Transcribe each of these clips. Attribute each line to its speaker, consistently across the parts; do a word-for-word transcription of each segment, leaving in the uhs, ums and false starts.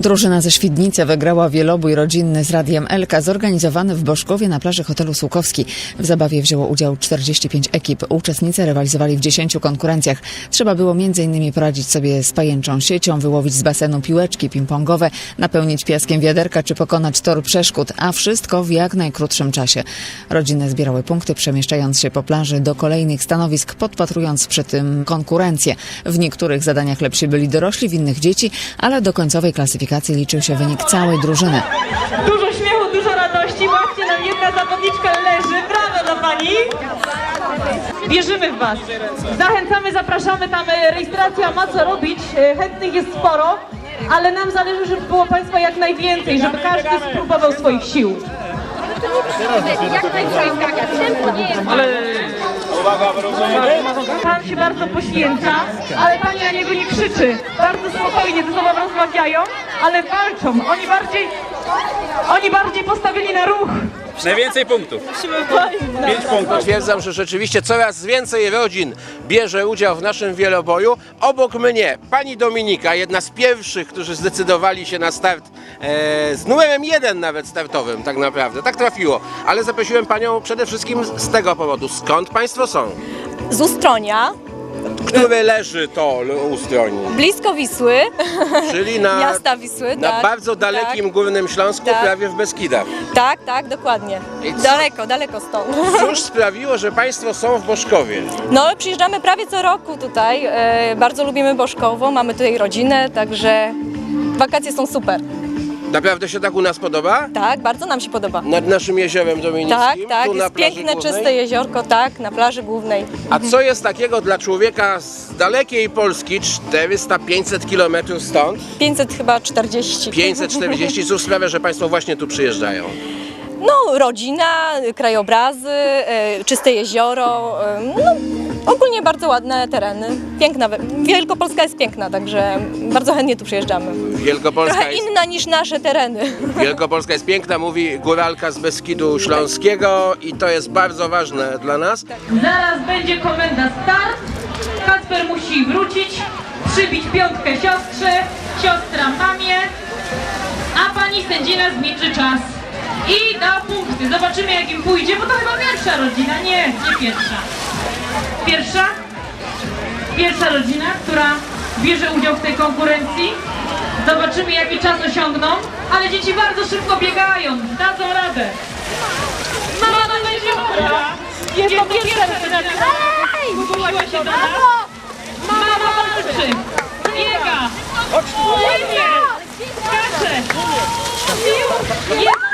Speaker 1: Drużyna ze Świdnicy wygrała wielobój rodzinny z Radiem Elka zorganizowany w Boszkowie na plaży hotelu Sułkowski. W zabawie wzięło udział czterdzieści pięć ekip. Uczestnicy rywalizowali w dziesięciu konkurencjach. Trzeba było między innymi poradzić sobie z pajęczą siecią, wyłowić z basenu piłeczki ping-pongowe, napełnić piaskiem wiaderka czy pokonać tor przeszkód, a wszystko w jak najkrótszym czasie. Rodziny zbierały punkty, przemieszczając się po plaży do kolejnych stanowisk, podpatrując przy tym konkurencję. W niektórych zadaniach lepsi byli dorośli, w innych dzieci, ale do końcowej klasyfikacji liczył się wynik całej drużyny.
Speaker 2: Dużo śmiechu, dużo radości. Właśnie nam jedna zawodniczka leży. Brawo dla pani. Wierzymy w was. Zachęcamy, zapraszamy. Tam rejestracja ma co robić. Chętnych jest sporo, ale nam zależy, żeby było państwa jak najwięcej, żeby każdy spróbował swoich sił. Ale pan się bardzo poświęca, ale pani na niego nie krzyczy. Bardzo spokojnie ze sobą rozmawiają, ale walczą. Oni bardziej, oni bardziej postawili na ruch.
Speaker 3: Najwięcej punktów. Pięć punktów.
Speaker 4: Stwierdzam, że rzeczywiście coraz więcej rodzin bierze udział w naszym wieloboju. Obok mnie pani Dominika, jedna z pierwszych, którzy zdecydowali się na start e, z numerem jeden nawet startowym, tak naprawdę. Tak trafiło. Ale zaprosiłem panią przede wszystkim z tego powodu. Skąd państwo są?
Speaker 5: Z Ustronia,
Speaker 4: Które leży to Ustroni?
Speaker 5: blisko Wisły,
Speaker 4: Czyli na,
Speaker 5: miasta Wisły,
Speaker 4: na
Speaker 5: tak,
Speaker 4: bardzo dalekim
Speaker 5: tak,
Speaker 4: Górnym Śląsku,
Speaker 5: tak.
Speaker 4: prawie w Beskidach.
Speaker 5: tak, tak, dokładnie.
Speaker 4: I co?
Speaker 5: Daleko, daleko stąd.
Speaker 4: Cóż sprawiło, że państwo są w Boszkowie?
Speaker 5: No, przyjeżdżamy prawie co roku tutaj, e, bardzo lubimy Boszkowo, mamy tutaj rodzinę, także wakacje są super.
Speaker 4: Naprawdę się tak u nas podoba?
Speaker 5: Tak, bardzo nam się podoba.
Speaker 4: Nad naszym jeziorem dominickim?
Speaker 5: Tak, tak,
Speaker 4: tu na
Speaker 5: jest
Speaker 4: plaży
Speaker 5: piękne,
Speaker 4: głównej?
Speaker 5: czyste jeziorko, tak, na plaży głównej.
Speaker 4: A co jest takiego dla człowieka z dalekiej Polski, czterysta pięćset kilometrów stąd,
Speaker 5: pięćset chyba czterdzieści.
Speaker 4: pięćset czterdzieści, cóż sprawia, że państwo właśnie tu przyjeżdżają?
Speaker 5: No, rodzina, krajobrazy, e, czyste jezioro, e, no, ogólnie bardzo ładne tereny. Piękna, Wielkopolska jest piękna, także bardzo chętnie tu przyjeżdżamy.
Speaker 4: Wielkopolska
Speaker 5: Trochę
Speaker 4: jest,
Speaker 5: inna niż nasze tereny.
Speaker 4: Wielkopolska jest piękna, mówi góralka z Beskidu Śląskiego i to jest bardzo ważne dla nas.
Speaker 2: Zaraz będzie komenda start. Kacper musi wrócić, przybić piątkę siostrze, siostra mamie, a pani sędzina zmierzy czas. I da punkty. Zobaczymy jak im pójdzie, bo to chyba pierwsza rodzina. Nie, nie pierwsza. Pierwsza? Pierwsza rodzina, która bierze udział w tej konkurencji. Zobaczymy jaki czas osiągną, ale dzieci bardzo szybko biegają, dadzą radę. Mama będzie chora. Jest to pierwsza rodzina. Zgłosiła się do nas. Mama walczy. Biega. Płynie. Skacze. Jest.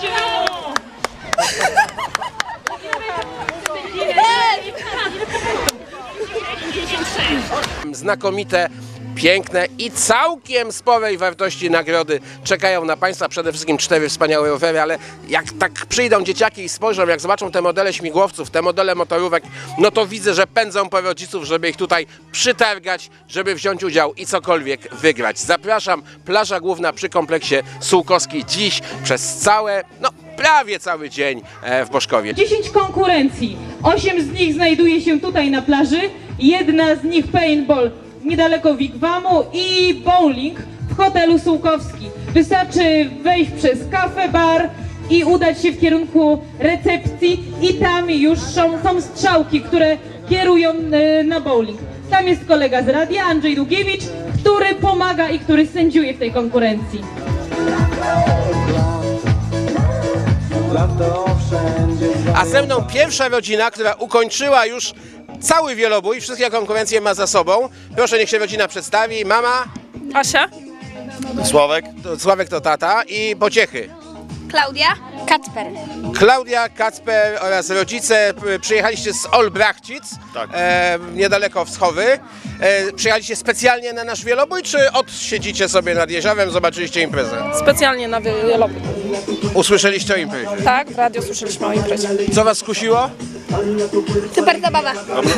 Speaker 4: Znakomite, piękne i całkiem sporej wartości nagrody czekają na państwa. Przede wszystkim cztery wspaniałe rowery, ale jak tak przyjdą dzieciaki i spojrzą, jak zobaczą te modele śmigłowców, te modele motorówek, no to widzę, że pędzą po rodziców, żeby ich tutaj przytargać, żeby wziąć udział i cokolwiek wygrać. Zapraszam, plaża główna przy kompleksie Sułkowski dziś przez całe, no prawie cały dzień w Boszkowie.
Speaker 2: dziesięć konkurencji. osiem z nich znajduje się tutaj na plaży. Jedna z nich paintball niedaleko Wigwamu i bowling w hotelu Sułkowski. Wystarczy wejść przez kafe, bar i udać się w kierunku recepcji i tam już są, są strzałki, które kierują na bowling. Tam jest kolega z radia, Andrzej Długiewicz, który pomaga i który sędziuje w tej konkurencji.
Speaker 4: A ze mną pierwsza rodzina, która ukończyła już cały wielobój, wszystkie konkurencje ma za sobą. Proszę, niech się rodzina przedstawi. Mama?
Speaker 6: Asia?
Speaker 7: Sławek?
Speaker 4: To, Sławek to tata i pociechy.
Speaker 8: Klaudia? Kacper.
Speaker 4: Klaudia, Kacper oraz rodzice p- przyjechaliście z Olbrachcic,
Speaker 7: Tak.
Speaker 4: e, niedaleko Wschowy. E, przyjechaliście specjalnie na nasz wielobój, czy odsiedzicie sobie nad jeziorem, zobaczyliście imprezę?
Speaker 6: Specjalnie na wielobój.
Speaker 4: Usłyszeliście o imprezie.
Speaker 6: Tak, w radio słyszeliśmy o imprezie.
Speaker 4: Co was skusiło?
Speaker 8: Super zabawa.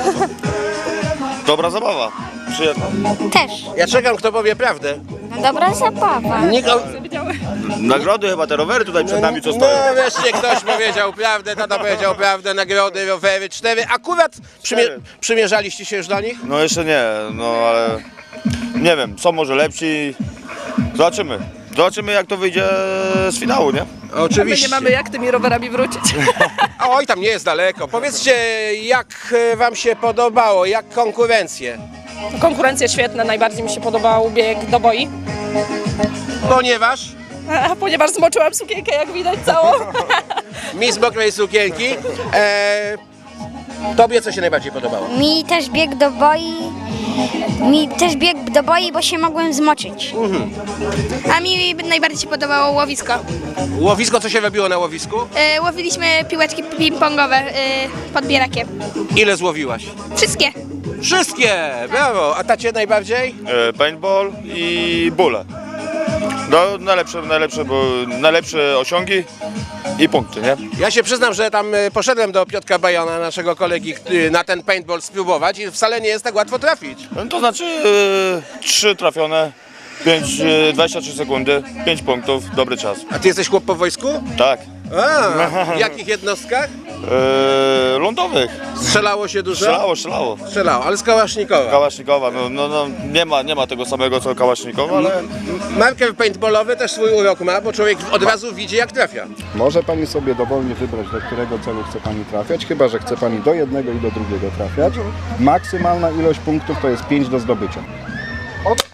Speaker 7: Dobra zabawa. Przyjemna.
Speaker 8: Też.
Speaker 4: Ja czekam, kto powie prawdę.
Speaker 8: Dobra zabawa.
Speaker 4: Nikt o...
Speaker 7: Nagrody chyba, te rowery tutaj przed nami co
Speaker 4: No
Speaker 7: stoją.
Speaker 4: wreszcie ktoś powiedział prawdę, tata powiedział prawdę, nagrody, rowery, cztery. Akurat przymie
Speaker 7: Cztery.
Speaker 4: przymierzaliście się już do nich?
Speaker 7: No jeszcze nie, no ale nie wiem, są może lepsi. Zobaczymy. Zobaczymy jak to wyjdzie z finału, nie?
Speaker 4: Oczywiście.
Speaker 6: My nie mamy jak tymi rowerami wrócić.
Speaker 4: Oj, tam nie jest daleko. Powiedzcie, jak e, wam się podobało, jak konkurencje?
Speaker 6: Konkurencja świetna, najbardziej mi się podobał bieg do boi.
Speaker 4: Ponieważ
Speaker 6: A, ponieważ zmoczyłam sukienkę, jak widać, całą.
Speaker 4: Miss Mokrej Sukienki, e, tobie co się najbardziej podobało?
Speaker 8: Mi też bieg do boi. Mi też bieg do boi, bo się mogłem zmoczyć. A mi najbardziej się podobało łowisko.
Speaker 4: Łowisko, co się robiło na łowisku?
Speaker 8: E, łowiliśmy piłeczki ping-pongowe e, pod bierakiem.
Speaker 4: Ile złowiłaś?
Speaker 8: Wszystkie.
Speaker 4: Wszystkie! Brawo! A tacie najbardziej?
Speaker 7: E, paintball i bóle. No, najlepsze, najlepsze, bo najlepsze osiągi i punkty, nie?
Speaker 4: Ja się przyznam, że tam e, poszedłem do Piotrka Bajona, naszego kolegi, który na ten paintball spróbować i wcale nie jest tak łatwo trafić.
Speaker 7: No, to znaczy e, trzy trafione, pięć, e, dwadzieścia trzy sekundy, pięć punktów, dobry czas.
Speaker 4: A ty jesteś chłop po wojsku?
Speaker 7: Tak.
Speaker 4: A, w jakich jednostkach?
Speaker 7: E, lądowych.
Speaker 4: Strzelało się dużo?
Speaker 7: Strzelało, strzelało.
Speaker 4: Strzelało, ale z Kałasznikowa.
Speaker 7: Kałasznikowa, no, no, no nie, ma, nie ma tego samego co Kałasznikowa, ale
Speaker 4: M- Marker paintballowy też swój urok ma, bo człowiek od razu widzi jak trafia.
Speaker 9: Może Pani sobie dowolnie wybrać, do którego celu chce Pani trafiać, chyba że chce Pani do jednego i do drugiego trafiać. Maksymalna ilość punktów to jest pięć do zdobycia. Od...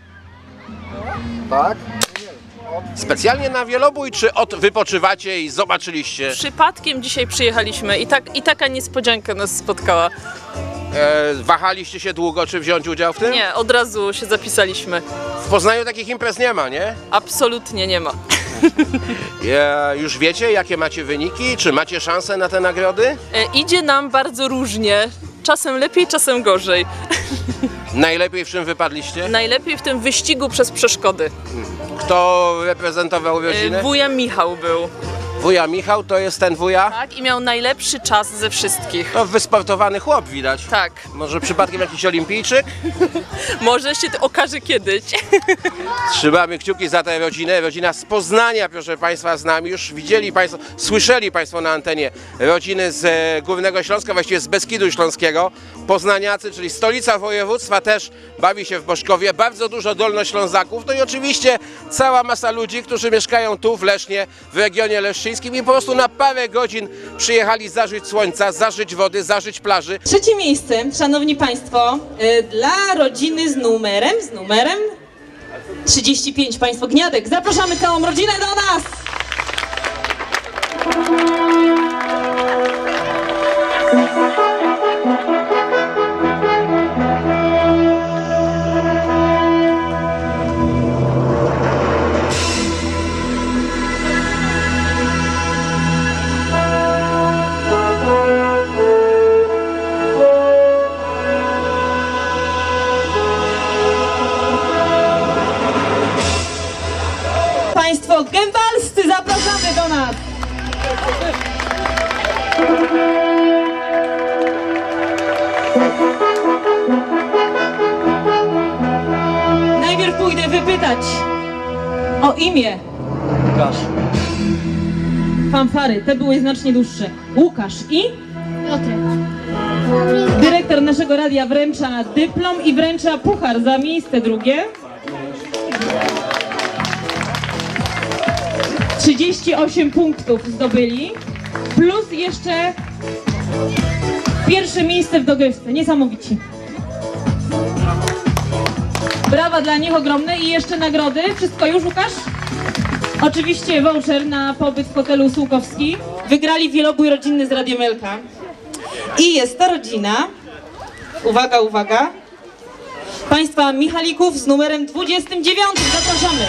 Speaker 9: Tak?
Speaker 4: Specjalnie na wielobój, czy od wypoczywacie i zobaczyliście?
Speaker 10: Przypadkiem dzisiaj przyjechaliśmy i, tak, i taka niespodzianka nas spotkała.
Speaker 4: E, wahaliście się długo, czy wziąć udział w tym?
Speaker 10: Nie, od razu się zapisaliśmy.
Speaker 4: W Poznaniu takich imprez nie ma, nie?
Speaker 10: Absolutnie nie ma.
Speaker 4: E, już wiecie, jakie macie wyniki? Czy macie szansę na te nagrody?
Speaker 10: E, idzie nam bardzo różnie. Czasem lepiej, czasem gorzej.
Speaker 4: Najlepiej w czym wypadliście?
Speaker 10: Najlepiej w tym wyścigu przez przeszkody.
Speaker 4: Kto reprezentował
Speaker 10: E,
Speaker 4: rodzinę?
Speaker 10: wuja Michał był.
Speaker 4: Wuja Michał, to jest ten wuja?
Speaker 10: Tak, i miał najlepszy czas ze wszystkich.
Speaker 4: To wysportowany chłop widać.
Speaker 10: Tak.
Speaker 4: Może przypadkiem jakiś olimpijczyk?
Speaker 10: Może się to okaże kiedyś.
Speaker 4: Trzymamy kciuki za tę rodzinę. Rodzina z Poznania, proszę Państwa, z nami. Już widzieli Państwo, słyszeli Państwo na antenie rodziny z e, Górnego Śląska, właściwie z Beskidu Śląskiego. Poznaniacy, czyli stolica województwa, też bawi się w Boszkowie. Bardzo dużo Dolnoślązaków. No i oczywiście cała masa ludzi, którzy mieszkają tu w Lesznie, w regionie leszczyńskim i po prostu na parę godzin przyjechali zażyć słońca, zażyć wody, zażyć plaży.
Speaker 2: Trzecie miejsce, szanowni państwo, y, dla rodziny z numerem, z numerem trzydzieści pięć, państwo Gniadek. Zapraszamy całą rodzinę do nas! Państwo gębalscy, zapraszamy do nas! Najpierw pójdę wypytać o imię. Łukasz. Fanfary, te były znacznie dłuższe. Łukasz i?
Speaker 8: Piotrek.
Speaker 2: Dyrektor naszego radia wręcza dyplom i wręcza puchar za miejsce drugie. trzydzieści osiem punktów zdobyli, plus jeszcze pierwsze miejsce w dogrywce. Niesamowici. Brawa dla nich ogromne i jeszcze nagrody. Wszystko już, Łukasz? Oczywiście voucher na pobyt w hotelu Sułkowski. Wygrali wielobój rodzinny z Radiem Elka. I jest to rodzina, uwaga, uwaga, państwa Michalików z numerem dwudziestym dziewiątym. Zapraszamy.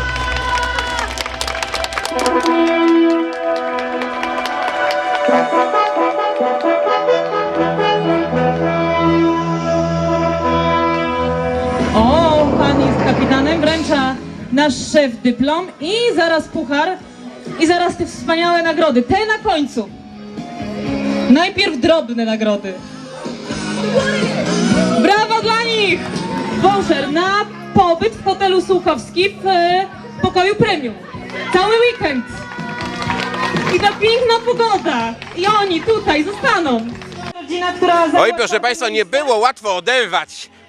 Speaker 2: O, pan jest kapitanem, wręcza nasz szef dyplom i zaraz puchar i zaraz te wspaniałe nagrody, te na końcu. Najpierw drobne nagrody. Brawo dla nich! Voucher na pobyt w hotelu Sułkowski w e, pokoju premium. Cały weekend. I ta piękna pogoda. I oni tutaj zostaną. Rodzina, która
Speaker 4: Oj, proszę Państwa, nie było łatwo oderwać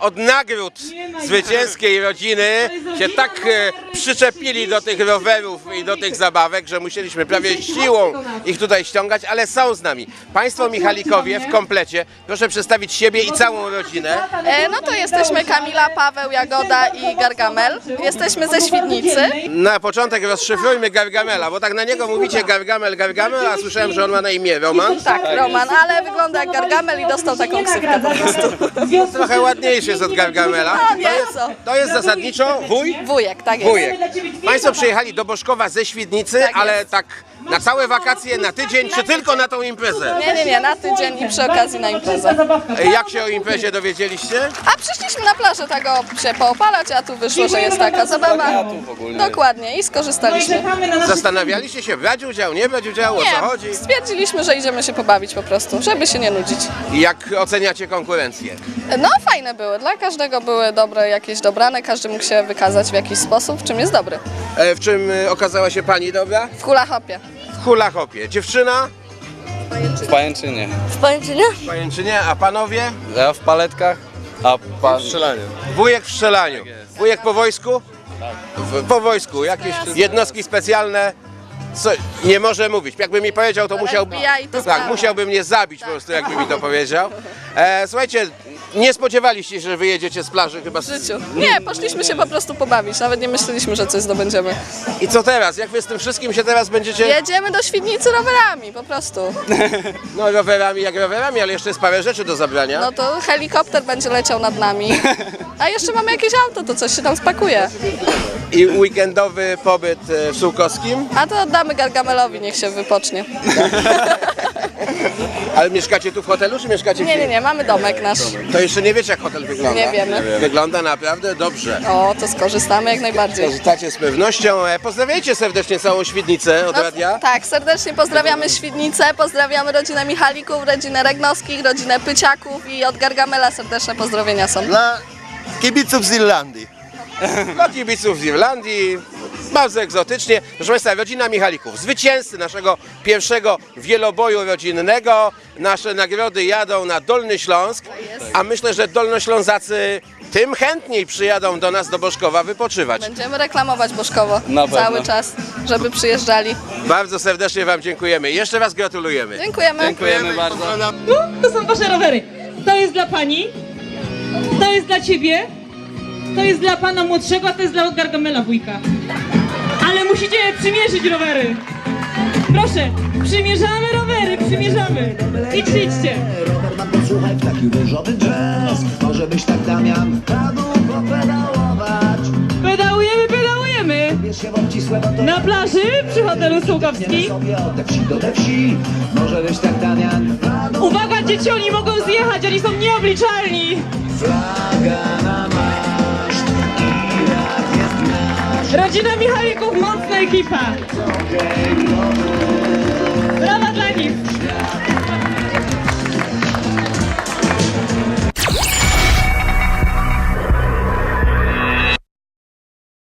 Speaker 4: od nagród zwycięskiej rodziny się tak e, przyczepili do tych rowerów i do tych zabawek, że musieliśmy prawie siłą ich tutaj ściągać, ale są z nami. Państwo Michalikowie w komplecie, proszę przedstawić siebie i całą rodzinę.
Speaker 6: E, no to jesteśmy Kamila, Paweł, Jagoda i Gargamel. Jesteśmy ze Świdnicy.
Speaker 4: Na początek rozszyfrujmy Gargamela, bo tak na niego mówicie Gargamel, Gargamel, a słyszałem, że on ma na imię Roman.
Speaker 6: Tak, Roman, ale wygląda jak Gargamel i dostał taką ksywkę po prostu.
Speaker 4: Trochę ładniejszy jest od Gargamela.
Speaker 6: No nie,
Speaker 4: To jest,
Speaker 6: co?
Speaker 4: to jest zasadniczo wuj?
Speaker 6: Wujek, tak jest.
Speaker 4: Wujek. Państwo przyjechali do Boszkowa ze Świdnicy,
Speaker 6: Tak
Speaker 4: ale
Speaker 6: jest.
Speaker 4: tak na całe wakacje, na tydzień, czy tylko na tą imprezę?
Speaker 6: Nie, nie, nie, na tydzień i przy okazji na imprezę.
Speaker 4: Jak się o imprezie dowiedzieliście?
Speaker 6: A przyszliśmy na plażę tak o, się poopalać, a tu wyszło, że jest taka zabawa. Dokładnie i skorzystaliśmy.
Speaker 4: Zastanawialiście się, brać udział, nie brać udziału, o co chodzi?
Speaker 6: Nie, stwierdziliśmy, że idziemy się pobawić po prostu, żeby się nie nudzić.
Speaker 4: I jak oceniacie konkurencję?
Speaker 6: No fajne były, dla każdego były dobre jakieś dobrane, każdy mógł się wykazać w jakiś sposób, w czym jest dobry.
Speaker 4: E, w czym e, okazała się pani dobra?
Speaker 6: W hula hopie.
Speaker 4: W hula hopie. Dziewczyna?
Speaker 11: W pajęczynie.
Speaker 8: W Pajęczynie?
Speaker 4: W pajęczynie, a panowie?
Speaker 11: Ja w paletkach, a pan... W strzelaniu.
Speaker 4: Wujek w strzelaniu. Wujek po wojsku? W, po wojsku. Jakieś jednostki specjalne? Co, nie może mówić. Jakby mi powiedział, to musiałby...
Speaker 6: F B I to
Speaker 4: Tak,
Speaker 6: sprawa.
Speaker 4: musiałby mnie zabić po prostu, jakby mi to powiedział. E, słuchajcie, nie spodziewaliście się, że wyjedziecie z plaży chyba
Speaker 6: W
Speaker 4: z...
Speaker 6: życiu. Nie, poszliśmy się po prostu pobawić, nawet nie myśleliśmy, że coś zdobędziemy.
Speaker 4: I co teraz? Jak wy z tym wszystkim się teraz będziecie...
Speaker 6: Jedziemy do Świdnicy rowerami, po prostu.
Speaker 4: No rowerami jak rowerami, ale jeszcze jest parę rzeczy do zabrania.
Speaker 6: No to helikopter będzie leciał nad nami. A jeszcze mamy jakieś auto, to coś się tam spakuje.
Speaker 4: I weekendowy pobyt e, w Sułkowskim.
Speaker 6: A to oddamy Gargamelowi, niech się wypocznie.
Speaker 4: Ale mieszkacie tu w hotelu, czy mieszkacie
Speaker 6: Nie,
Speaker 4: gdzie?
Speaker 6: nie, nie, mamy domek nasz.
Speaker 4: To jeszcze nie wiecie, jak hotel wygląda.
Speaker 6: Nie wiemy.
Speaker 4: Wygląda naprawdę dobrze.
Speaker 6: O, to skorzystamy jak najbardziej.
Speaker 4: Korzystacie z pewnością. E, Pozdrawiajcie serdecznie całą Świdnicę od
Speaker 6: No,
Speaker 4: radia.
Speaker 6: tak, serdecznie pozdrawiamy Świdnicę, pozdrawiamy rodzinę Michalików, rodzinę Regnowskich, rodzinę Pyciaków i od Gargamela serdeczne pozdrowienia są.
Speaker 7: Dla kibiców z Irlandii.
Speaker 4: Dla kibiców z Irlandii. Bardzo egzotycznie. Proszę Państwa, rodzina Michalików, zwycięzcy naszego pierwszego wieloboju rodzinnego. Nasze nagrody jadą na Dolny Śląsk, a myślę, że dolnoślązacy tym chętniej przyjadą do nas do Boszkowa wypoczywać.
Speaker 6: Będziemy reklamować Boszkowo
Speaker 11: Na pewno.
Speaker 6: cały czas, żeby przyjeżdżali.
Speaker 4: Bardzo serdecznie Wam dziękujemy. Jeszcze raz gratulujemy.
Speaker 6: Dziękujemy.
Speaker 11: Dziękujemy bardzo.
Speaker 2: To są wasze rowery. To jest dla pani, to jest dla ciebie, to jest dla pana młodszego, a to jest dla Gargamela wujka. Ale musicie przymierzyć rowery. Proszę, przymierzamy rowery, przymierzamy. Idźcie, idźcie.
Speaker 12: Rower mam posłuchaj w taki różowy jazz. Może byś tak Damian wpadł popedałować.
Speaker 2: Pedałujemy, pedałujemy.
Speaker 12: Bierz się w obcisłe, bo to
Speaker 2: Na plaży przy hotelu
Speaker 12: nie
Speaker 2: Sułkowski.
Speaker 12: sobie od te wsi do te wsi. Może byś tak Damian wpadł.
Speaker 2: Uwaga, dzieci, oni mogą zjechać, oni są nieobliczalni.
Speaker 12: Flaga na maszt i rad jest nasz.
Speaker 2: Rodzina Michalików, mocna ekipa. Brawa dla nich.